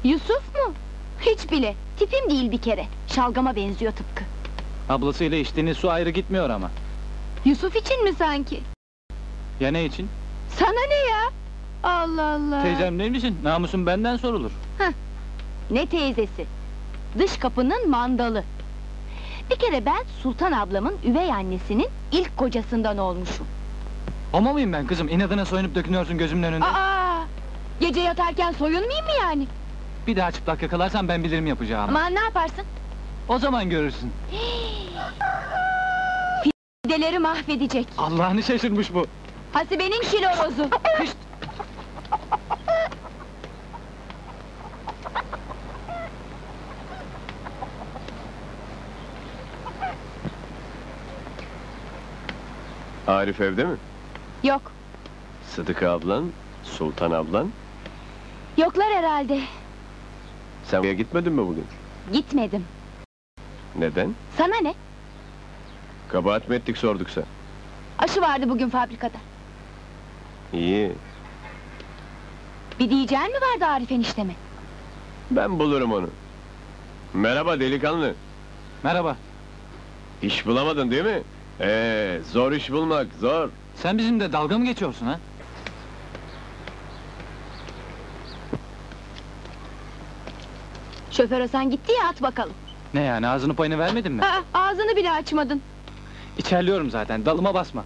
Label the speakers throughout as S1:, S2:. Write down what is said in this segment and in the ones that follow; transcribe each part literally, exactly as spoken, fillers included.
S1: Yusuf mu? Hiç bile, tipim değil bir kere. Şalgama benziyor tıpkı.
S2: Ablasıyla içtiğiniz su ayrı gitmiyor ama.
S1: Yusuf için mi sanki?
S2: Ya ne için?
S1: Sana ne ya? Allah Allah!
S2: Teyzem değil misin? Namusun benden sorulur.
S1: Ne teyzesi? Dış kapının mandalı. Bir kere ben Sultan ablamın üvey annesinin ilk kocasından olmuşum.
S2: Homo muyum ben kızım? İnadına soyunup dökünüyorsun gözümün önünde.
S1: Aa! Gece yatarken soyunmayayım mı yani?
S2: Bir daha çıplak yakalarsan ben bilirim yapacağımı.
S1: Aman ne yaparsın?
S2: O zaman görürsün.
S1: Fideleri mahvedecek.
S2: Allah'ını şaşırmış bu.
S1: Hasibe'nin kilorozu.
S2: Hışt!
S3: Arif evde mi?
S1: Yok,
S3: Sıdıka ablan, Sultan ablan.
S1: yoklar herhalde.
S3: Sen buraya gitmedin mi bugün?
S1: Gitmedim.
S3: Neden?
S1: Sana ne?
S3: Kabahat mi ettik sorduksa.
S1: Aşı vardı bugün fabrikada.
S3: İyi,
S1: Bir diyeceğin mi vardı Arif enişteme?
S3: ben bulurum onu. Merhaba delikanlı.
S2: Merhaba.
S3: İş bulamadın değil mi? Ee, zor iş bulmak, zor.
S2: Sen bizimle dalga mı geçiyorsun ha?
S1: Şoför Hasan gitti ya, at bakalım.
S2: Ne yani, ağzını payını vermedin mi?
S1: Aa, ağzını bile açmadın.
S2: İçerliyorum zaten, dalıma basma.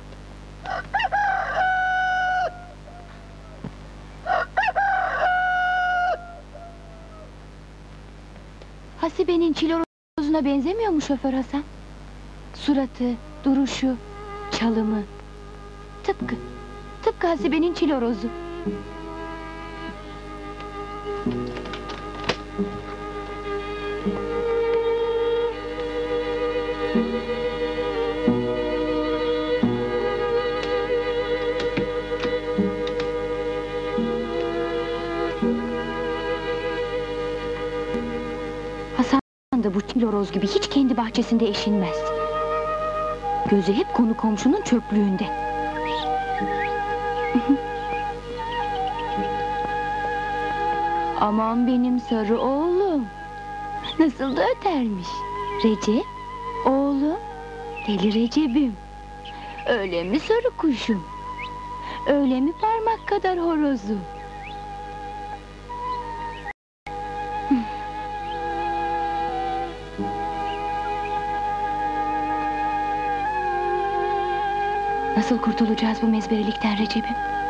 S1: Hasibe'nin çilorozuna benzemiyor mu şoför Hasan? Suratı, duruşu, çalımı. Tıpkı, tıpkı Hasibe'nin çilorozu. Hasan da bu çiloroz gibi hiç kendi bahçesinde eşinmez. Gözü hep konu komşunun çöplüğünde. Aman benim sarı oğlum! Nasıl da ötermiş! Recep, oğlum, deli Recep'im! Öyle mi sarı kuşum? Öyle mi parmak kadar horozum? Nasıl kurtulacağız bu mezberilikten Recep'im?